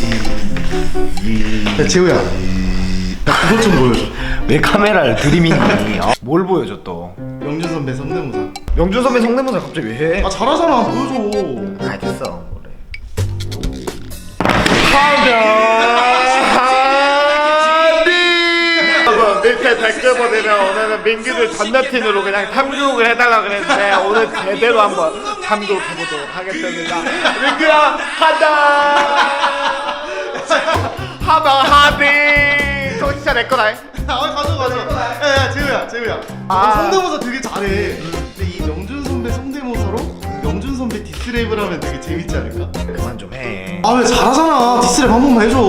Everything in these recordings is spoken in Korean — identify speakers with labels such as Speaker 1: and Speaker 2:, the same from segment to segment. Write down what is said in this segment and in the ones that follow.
Speaker 1: 야 재우야, 나 그것 좀 보여줘.
Speaker 2: 왜 카메라를 들이미니? 뭘 보여줘 또?
Speaker 1: 영준 선배 성대모사.
Speaker 2: 영준 선배 성대모사 갑자기 왜 해?
Speaker 1: 아 잘하잖아, 보여줘.
Speaker 2: 아 됐어 그래.
Speaker 3: 여러분 밑에 댓글 보내면 오늘은 민규들 전자틴으로 그냥 탐구를 해달라 그랬는데 오늘 제대로 한번 탐구해보도록 하겠습니다. 민규야 간다. 하마 하비. 저 진짜 내 거다.
Speaker 1: 아 가져. 야 재우야. 너 성대모사 되게 잘해. 근데 이 영준 선배 성대모사로 영준 선배 디스랩을 하면 되게 재밌지 않을까?
Speaker 2: 그만 좀 해.
Speaker 1: 아 왜 잘하잖아. 디스랩 한 번만 해줘.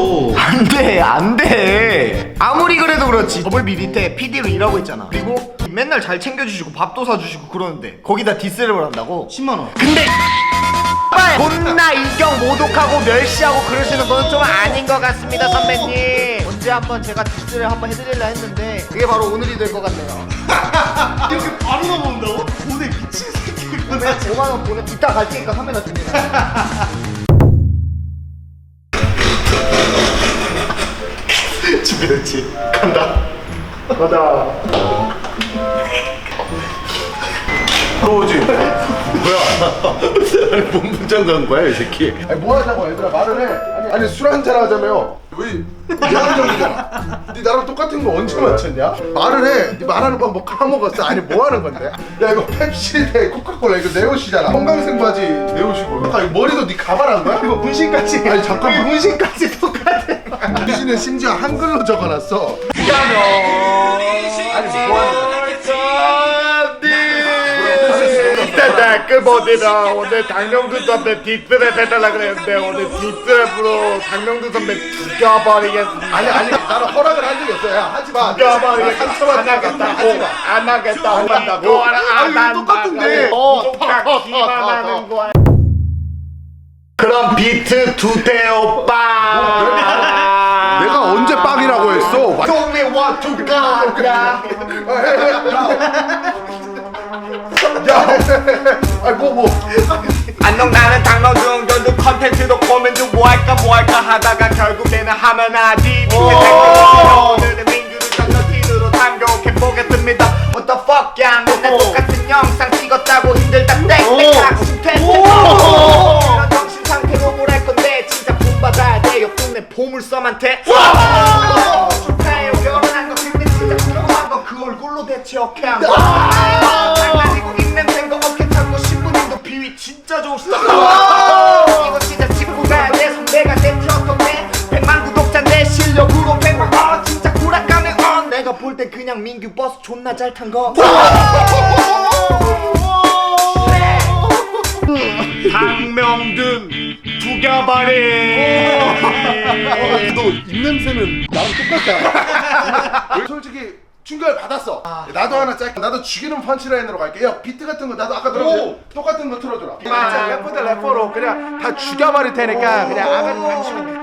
Speaker 2: 안돼. 아무리 그래도 그렇지. 더블 비리 때 PD로 일하고 있잖아. 그리고 맨날 잘 챙겨주시고 밥도 사주시고 그러는데 거기다 디스랩을 한다고?
Speaker 1: 10만 원.
Speaker 2: 근데 존나 인격 모독하고 멸시하고 그러시는 건 좀 아닌 것 같습니다 선배님. 언제 한번 제가 디스를 한번 해드리려 했는데 그게 바로 오늘이 될 것 같네요.
Speaker 1: 이렇게 바로 넘어온다고? 오늘 미친 새끼구나.
Speaker 2: 내가 5만원 보내 이따 갈 테니까 카메라 줍니다.
Speaker 1: 준비됐지? 간다.
Speaker 2: 가자.
Speaker 1: 들어오지. 뭐야? 아니 뭔 문장 간 거야 이 새끼?
Speaker 4: 아니 뭐 하자고 얘들아 말을 해. 아니 술 한잔 하자며요. 왜 이한정이잖아. 네 나랑 똑같은 거 언제 맞췄냐? 말을 해. 네 말하는 방법 까먹었어. 아니 뭐 하는 건데? 야 이거 펩시 대 코카콜라 이거 내 옷이잖아. 형광색 바지 내 옷이고. 아까 이거 머리도 네 가발한 거야?
Speaker 1: 이거 문신까지.
Speaker 4: 아니 잠깐만.
Speaker 1: 문신까지 똑같아.
Speaker 4: 문신은 심지어 한글로 적어놨어. 아니 뭐 하는 거야?
Speaker 3: 밑에 댓글 보내면 오늘 강명두 선배 뒷드랩 해달라 그랬는데 오늘 뒷드랩으로 강명두 선배 죽여버리겠습니다.
Speaker 4: 아니 나는 허락을 한 적이 없어. 야 하지 마.
Speaker 3: 죽여버리겠습니다. 안 하겠다고. 안 하겠다고. 한다고.
Speaker 1: 이거 똑같은데.
Speaker 3: 똑같기만 하는 거야. 그럼 비트 두대 오빠.
Speaker 4: 내가 언제 빵이라고 했어?
Speaker 3: 동네 와투가.
Speaker 4: 야, 아니 뭐.
Speaker 3: 안녕 나는 당나중 연두 컨텐츠도 고민도 뭐 할까 하다가 결국 내는 하면 하지 밑에 댓글 오늘은 민규를 전자틴으로 탐욕해보겠습니다. What the fuck 야 맨날 똑같은 영상 찍었다고 힘들다 땡땡하고 싶겠어. 이런 정신상태로 뭘 할 건데 진짜 본받아야 돼 옆 동네 보물섬한테. 축하해요 결혼한 거 근데 진짜 궁금한 건 그 얼굴로 대체 어떻게 한 거야. 장난이고 입냄새인 거 어깨 타고 신부님도 비위 진짜 좋으시다. 이거 진짜 짚고 가야 돼. 선배가 대표였던데 100만 구독자인데 실력으로 100만 진짜 구락감에 내가 볼 땐 그냥 민규 버스 존나 잘 탄 거. 박명준 죽여버리.
Speaker 4: 너 입냄새는 나랑 똑같다. 솔직히 충격을 받았어. 나도 하나 짧게. 나도 죽이는 펀치라인으로 갈게. 야 비트 같은 거 나도 아까 들었지? 똑같은 거 틀어줘라.
Speaker 3: 래퍼들 래퍼로 그냥 다 죽여버릴 테니까 그냥 아가리 다 치면 돼.